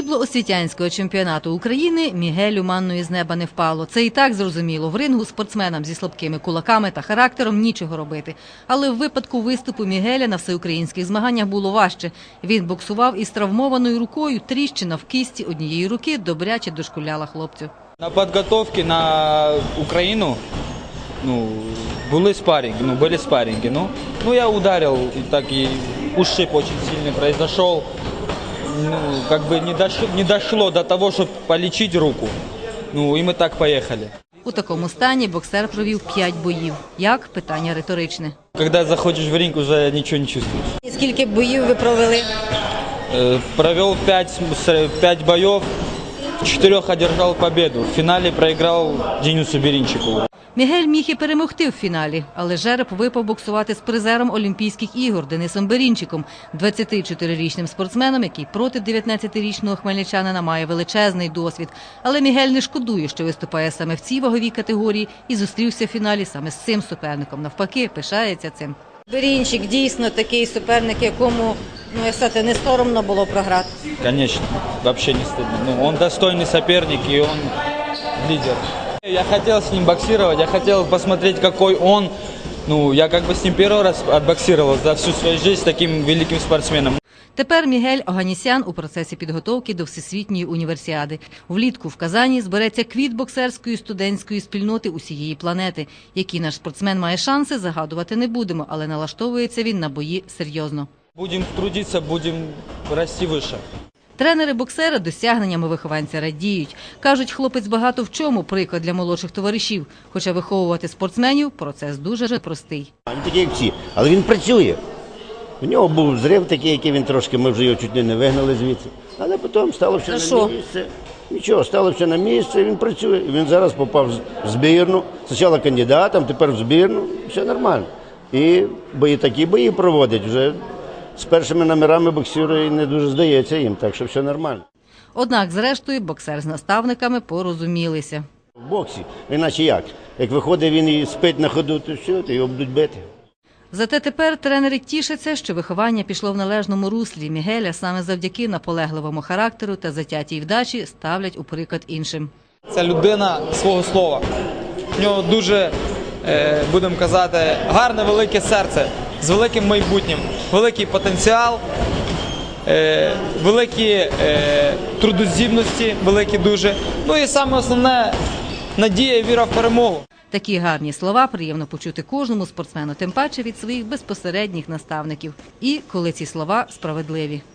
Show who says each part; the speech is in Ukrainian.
Speaker 1: Срібло освітянського чемпіонату України Мігелю манною з неба не впало. Це і так зрозуміло. В рингу спортсменам зі слабкими кулаками та характером нічого робити. Але в випадку виступу Мігеля на всеукраїнських змаганнях було важче. Він боксував із травмованою рукою, тріщина в кисті однієї руки добряче дошкуляла хлопцю.
Speaker 2: На підготовці на Україну були спарринги. Я ударил, и так и ушиб очень сильный произошел. Не дошло до того, чтобы полечить руку. И мы так поехали.
Speaker 1: У такому стані боксер провів 5 боїв. Як? Питання риторичне.
Speaker 2: Когда заходишь в ринг, уже ничего не чувствуешь.
Speaker 3: Скільки боїв ви провели?
Speaker 2: Провел 5 боев, в 4 одержал победу. В финале проиграл Денису Беринчику.
Speaker 1: Мігель міг і перемогти в фіналі, але жереб випав боксувати з призером Олімпійських ігор Денисом Берінчиком, 24-річним спортсменом, який проти 19-річного хмельничанина має величезний досвід. Але Мігель не шкодує, що виступає саме в цій ваговій категорії і зустрівся в фіналі саме з цим суперником. Навпаки, пишається цим.
Speaker 3: Берінчик дійсно такий суперник, якому, не соромно було програти.
Speaker 2: Конечно, вообще не стыдно. Он достойный соперник, и он лидер. Я хотел с ним боксировать, я хотел посмотреть, какой он. Я с ним первый раз отбоксировал за всю свою жизнь с таким великим спортсменом.
Speaker 1: Тепер Мігель Оганісян у процесі підготовки до Всесвітньої універсіади. Влітку в Казані збереться квіт боксерської студентської спільноти усієї планети. Який наш спортсмен має шанси, загадувати не будемо, але налаштовується він на бої серйозно.
Speaker 2: Будемо трудитися, будемо рости вище.
Speaker 1: Тренери боксера досягненнями вихованця радіють. Кажуть, хлопець багато в чому приклад для молодших товаришів. Хоча виховувати спортсменів – процес дуже простий.
Speaker 4: Він такий, як всі, але він працює. У нього був зрив такий, який він трошки, ми вже його чуть не вигнали звідси. Але потім стало все на місце. Нічого, стало все на місце, він працює. Він зараз попав в збірну. Спочатку кандидатом, тепер в збірну. Все нормально. І такі бої проводять вже. З першими номерами боксує і не дуже здається їм, так що все нормально.
Speaker 1: Однак, зрештою, боксер з наставниками порозумілися.
Speaker 4: В боксі, іначе як? Як виходить він і спить на ходу, то все, то його будуть бити.
Speaker 1: Зате тепер тренери тішаться, що виховання пішло в належному руслі. Мігеля саме завдяки наполегливому характеру та затятій вдачі ставлять у приклад іншим.
Speaker 2: Це людина свого слова. У нього дуже, будемо казати, гарне велике серце з великим майбутнім, великий потенціал, великі трудоздібності, великі дуже. І саме основне – надія і віра в перемогу.
Speaker 1: Такі гарні слова приємно почути кожному спортсмену, тим паче від своїх безпосередніх наставників. І коли ці слова справедливі.